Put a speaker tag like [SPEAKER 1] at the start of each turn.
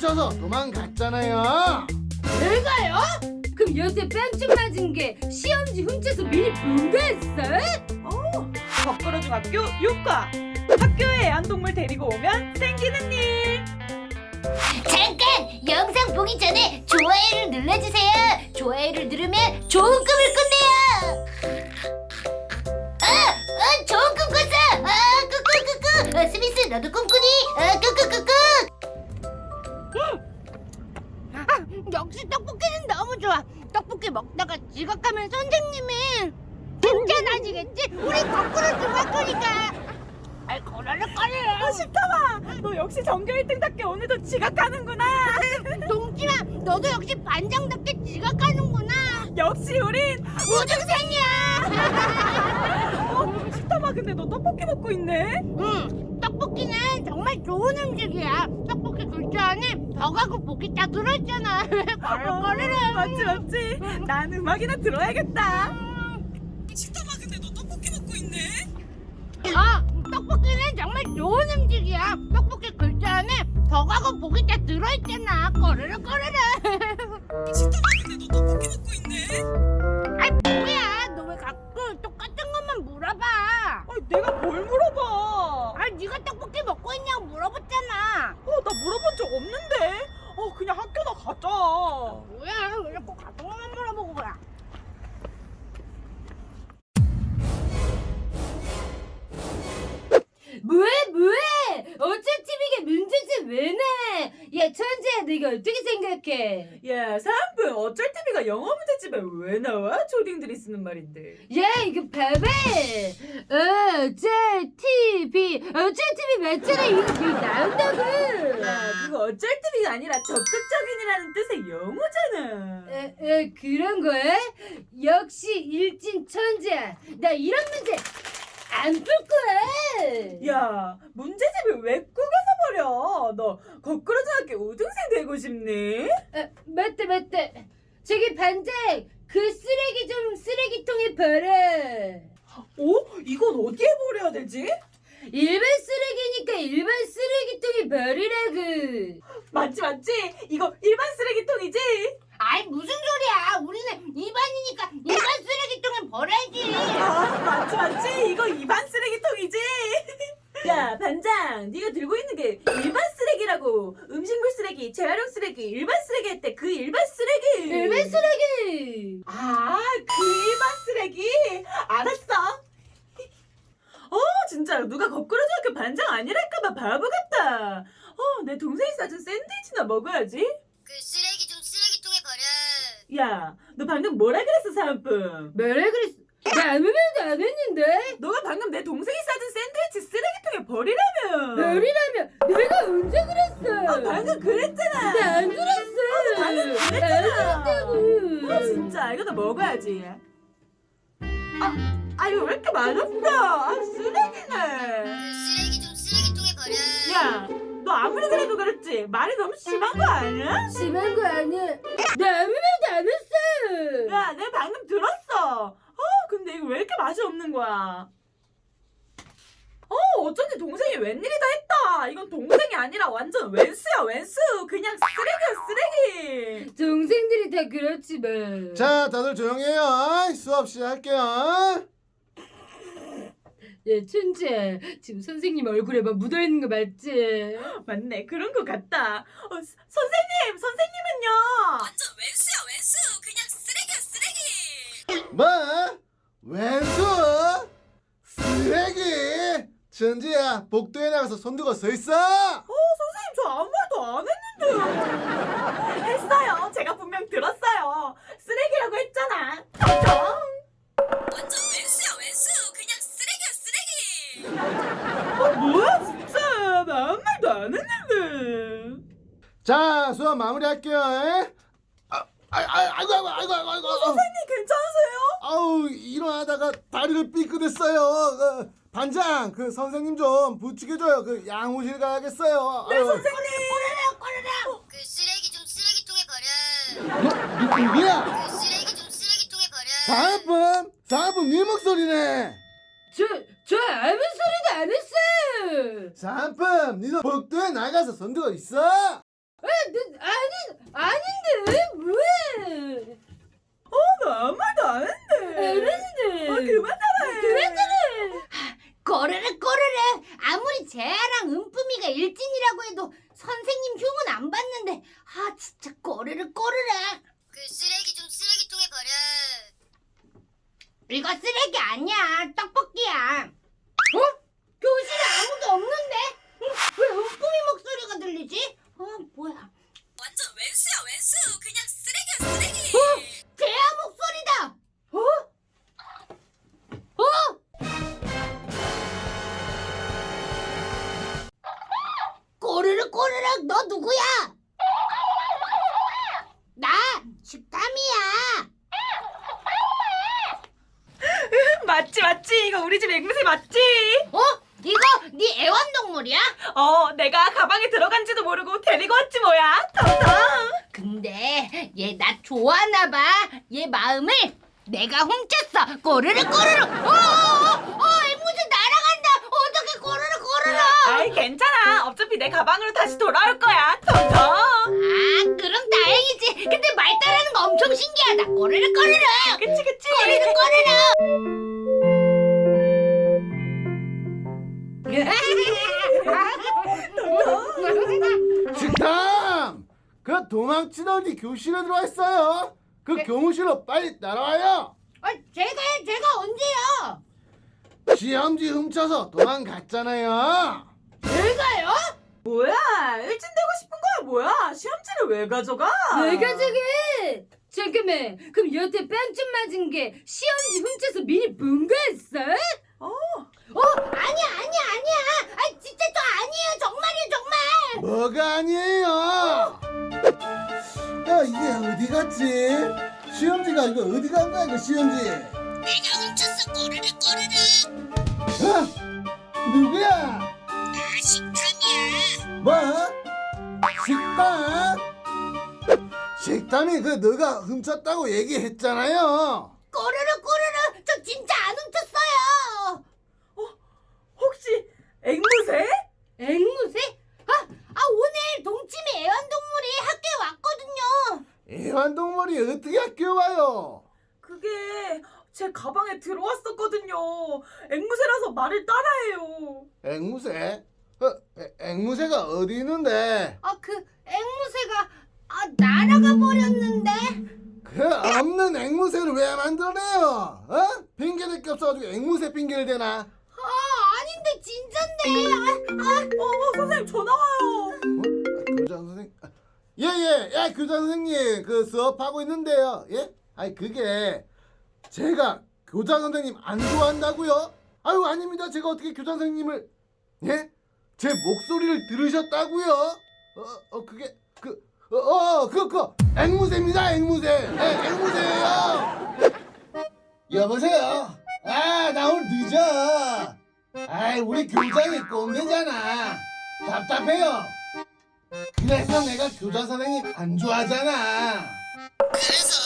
[SPEAKER 1] 훔쳐서 도망갔잖아요.
[SPEAKER 2] 내가요? 그럼 여태 뺨좀 맞은 게 시험지 훔쳐서 미리 본 거였어?
[SPEAKER 3] 거꾸로중학교 6과 학교에 애완동물 데리고 오면 생기는 일.
[SPEAKER 4] 잠깐! 영상 보기 전에 좋아요를 눌러주세요. 좋아요를 누르면 좋은 꿈을 꾼대요. 좋은 꿈 꿨어. 꾸꾸꾸꾸. 스미스 너도 꿈꾸니? 꾸꾸꾸꾸.
[SPEAKER 2] 역시 떡볶이는 너무 좋아. 떡볶이 먹다가 지각하면 선생님이 진짜 나지겠지? 우리 거꾸로 중학교니까. 아이 거라라거려.
[SPEAKER 3] 시카마, 너 역시 전교 1등답게 오늘도 지각하는구나.
[SPEAKER 2] 동진아, 너도 역시 반장답게 지각하는구나.
[SPEAKER 3] 역시 우린
[SPEAKER 2] 우등생이야.
[SPEAKER 3] 시카마, 근데 너 떡볶이 먹고 있네?
[SPEAKER 2] 응, 떡볶이는 정말 좋은 음식이야. 떡볶이 굴자 안에 덕하고 고기 다 들어있잖아. 거르거르르.
[SPEAKER 3] 맞지. 난 음악이나 들어야겠다. 시카마, 근데 너 떡볶이 먹고 있네?
[SPEAKER 2] 떡볶이는 정말 좋은 음식이야. 떡볶이 글자 안에 덕하고 고기 다 들어있잖아. 거르르거르르.
[SPEAKER 3] 시카마, 근데 너 떡볶이 먹고 있네?
[SPEAKER 2] 아이 뭐야, 너 왜 가끔 똑같은 것만 물어봐.
[SPEAKER 3] 내가 뭘 물어봐?
[SPEAKER 2] 네가 떡볶이 먹고 있냐고 물어봤잖아.
[SPEAKER 3] 나 물어본 적 없는데. 그냥 학교나 가자.
[SPEAKER 2] 뭐야, 왜 자꾸 같은 것만 물어보고 그래. 뭐해? 어쩔 TV가 문제지 왜 내? 야 천재야, 네가 어떻게 생각해?
[SPEAKER 3] 야, 사은품, 어쩔 TV가 영어 문제집에 왜 나와? 초딩들이 쓰는 말인데.
[SPEAKER 2] 야 이거 봐봐. 어쩔 TV 맞잖아. 이거 나온다고.
[SPEAKER 3] 야, 그거 어쩔 TV가 아니라 적극적인이라는 뜻의 영어잖아.
[SPEAKER 2] 그런 거야? 역시 일진 천재야. 나 이런 문제 안 풀 거야.
[SPEAKER 3] 야, 문제집을 왜 꾸겨서 버려? 너 거꾸로 중학교 우등생 되고 싶니?
[SPEAKER 2] 맞다. 저기 반장, 그 쓰레기 좀 쓰레기통에 버려.
[SPEAKER 3] 이건 어디에 버려야 되지?
[SPEAKER 2] 일반 쓰레기니까 일반 쓰레기통에 버리라고.
[SPEAKER 3] 맞지. 이거 일반 쓰레기통이지?
[SPEAKER 2] 아이 무슨 소리야. 우리는 일반이니까 일반 쓰레기통에 버려야지.
[SPEAKER 3] 맞지. 이거 일반 쓰레기통이지? 야, 반장, 네가 들고 있는 게 일반 쓰레기라고. 음식물 쓰레기, 재활용 쓰레기, 일반 쓰레기 할 때 그 일반 쓰레기.
[SPEAKER 2] 일반 쓰레기.
[SPEAKER 3] 그 일반 쓰레기? 알았어. 진짜 누가 거꾸로 중학교 반장 아니랄까봐 바보 같다. 내 동생이 싸준 샌드위치나 먹어야지.
[SPEAKER 4] 그 쓰레기 좀 쓰레기통에 버려.
[SPEAKER 3] 야, 너 방금 뭐라 그랬어, 사은품?
[SPEAKER 2] 뭐라 그랬어? 나 아무 말도 안 했는데.
[SPEAKER 3] 너가 방금 내 동생이 싸준 샌드위치 쓰레기통에 버리라며.
[SPEAKER 2] 버리라면 내가 언제 그랬어?
[SPEAKER 3] 방금 그랬잖아.
[SPEAKER 2] 나 안 그랬어.
[SPEAKER 3] 방금
[SPEAKER 2] 안
[SPEAKER 3] 그랬잖아.
[SPEAKER 2] 그랬다고.
[SPEAKER 3] 진짜 이거 나 먹어야지. 이거 왜 이렇게 맛없어? 쓰레기네.
[SPEAKER 4] 그 쓰레기 좀 쓰레기통에 버려.
[SPEAKER 3] 야, 너 아무리 그래도 그렇지 말이 너무 심한 거 아니야?
[SPEAKER 2] 심한 거 아니야. 나 아무 말도 안 했어.
[SPEAKER 3] 야, 내가 방금 들었어. 근데 이거 왜 이렇게 맛이 없는 거야? 어쩐지 동생이 웬일이다 했다. 이건 동생이 아니라 완전 웬수야, 웬수. 그냥 쓰레기야, 쓰레기.
[SPEAKER 2] 동생들이 다 그렇지 뭐.
[SPEAKER 1] 자, 다들 조용해요. 수업 시작할게요.
[SPEAKER 2] 야 천재, 지금 선생님 얼굴에 막 묻어있는 거 맞지?
[SPEAKER 3] 맞네, 그런 거 같다. 선생님은요? 완전 웬수야, 웬수. 그냥 쓰레기야, 쓰레기.
[SPEAKER 1] 뭐? 왼수? 쓰레기? 천지야, 복도에 나가서 손 들고 서 있어.
[SPEAKER 3] 선생님, 저 아무 말도 안 했는데요. 했어요. 제가 분명 들었어요. 쓰레기라고 했잖아. 텅텅. 완전 웬수야, 웬수. 그냥 쓰레기야, 쓰레기. 뭐야, 진짜. 나 아무 말도 안 했는데.
[SPEAKER 1] 자, 수업 마무리할게요. 아이고.
[SPEAKER 3] 선생님, 괜찮으세요?
[SPEAKER 1] 아우, 일어나다가 다리를 삐끗했어요. 반장, 그 선생님 좀 부축해줘요. 그 양호실 가야겠어요.
[SPEAKER 3] 네, 선생님.
[SPEAKER 4] 그 쓰레기 좀 쓰레기통에 버려.
[SPEAKER 1] 누구야?
[SPEAKER 4] 그 쓰레기 좀 쓰레기통에 버려.
[SPEAKER 1] 사은품 네 목소리네.
[SPEAKER 2] 저 아무 소리도 안 했어.
[SPEAKER 1] 사은품, 니도 복도에 나가서 손 들고 있어.
[SPEAKER 2] 네 아닌데 왜?
[SPEAKER 3] 나 아무 말도 안 했는데.
[SPEAKER 2] 알았는데.
[SPEAKER 3] 그만 따라해.
[SPEAKER 2] 그래. 꼬르륵 아무리 재아랑 은쁨이가 일진이라고 해도 선생님 흉은 안 봤는데 진짜 꼬르륵
[SPEAKER 4] 그 쓰레기 좀 쓰레기통에 버려.
[SPEAKER 2] 이거 쓰레기 아니야 떡볶이야. 교실에 아무도 없는데? 왜 은쁨이 목소리가 들리지? 뭐야?
[SPEAKER 3] 완전 웬수야 웬수. 그냥 쓰레기야 쓰레기.
[SPEAKER 2] 재아 목소리다. 꼬르륵 너 누구야? 나 식감이야.
[SPEAKER 3] 맞지. 이거 우리 집 앵무새 맞지?
[SPEAKER 2] 이거 네 애완동물이야?
[SPEAKER 3] 내가 가방에 들어간지도 모르고 데리고 왔지 뭐야. 텅텅.
[SPEAKER 2] 근데 얘 나 좋아하나 봐. 얘 마음을 내가 훔쳤어. 꼬르륵. 앵무새 날아간다. 어떻게 꼬르륵.
[SPEAKER 3] 아이 괜찮아. 어차피 내 가방으로 다시 돌아올 거야. 텅텅.
[SPEAKER 2] 그럼 다행이지. 근데 말 따르는 거 엄청 신기하다. 꼬르륵.
[SPEAKER 3] 그치.
[SPEAKER 1] 식탐! 그 도망치더니 교실에 들어와 있어요. 그 교무실로 빨리 따라와요.
[SPEAKER 2] 제가 언제요?
[SPEAKER 1] 시험지 훔쳐서 도망갔잖아요.
[SPEAKER 2] 제가요?
[SPEAKER 3] 뭐야? 일진 되고 싶은 거야 뭐야? 시험지를 왜 가져가?
[SPEAKER 2] 내가 저게 잠깐만 그럼 여태 빵점 맞은 게 시험지 훔쳐서 미리 본 거였어? 아니야 진짜 저 아니에요 정말이에요 정말.
[SPEAKER 1] 뭐가 아니에요? 야, 이게 어디 갔지? 시험지가 이거 어디 간 거야, 이거 시험지?
[SPEAKER 4] 내가 훔쳤어. 꼬르륵.
[SPEAKER 1] 누구야?
[SPEAKER 4] 나 식탐이야.
[SPEAKER 1] 뭐? 식탐? 식탐이 너가 훔쳤다고 얘기했잖아요.
[SPEAKER 2] 꼬르륵 저 진짜 안 훔쳤어요.
[SPEAKER 3] 혹시 앵무새?
[SPEAKER 2] 앵무새? 오늘 동치미 애완동물이 학교에 왔거든요.
[SPEAKER 1] 애완동물이 어떻게 학교에 와요?
[SPEAKER 3] 그게 제 가방에 들어왔었거든요. 앵무새라서 말을 따라해요.
[SPEAKER 1] 앵무새? 앵무새가 어디 있는데?
[SPEAKER 2] 그 앵무새가 날아가 버렸는데.
[SPEAKER 1] 그 없는 앵무새를 왜 만들어내요? 핑계댈 게 없어가지고 앵무새 핑계를 대나?
[SPEAKER 2] 아닌데 진짠데.
[SPEAKER 3] 선생님 전화 와요.
[SPEAKER 1] 교장 선생님. 예, 교장 선생님 그 수업하고 있는데요. 예? 그게 제가 교장 선생님 안 좋아한다고요? 아유 아닙니다. 제가 어떻게 교장 선생님을 예? 제 목소리를 들으셨다고요? 그게 그거 앵무새입니다. 앵무새. 앵무새예요. 여보세요. 나 오늘 늦어. 우리 교장이 꼰대잖아. 답답해요. 그래서 내가 교장 선생님 안 좋아하잖아.
[SPEAKER 4] 그래서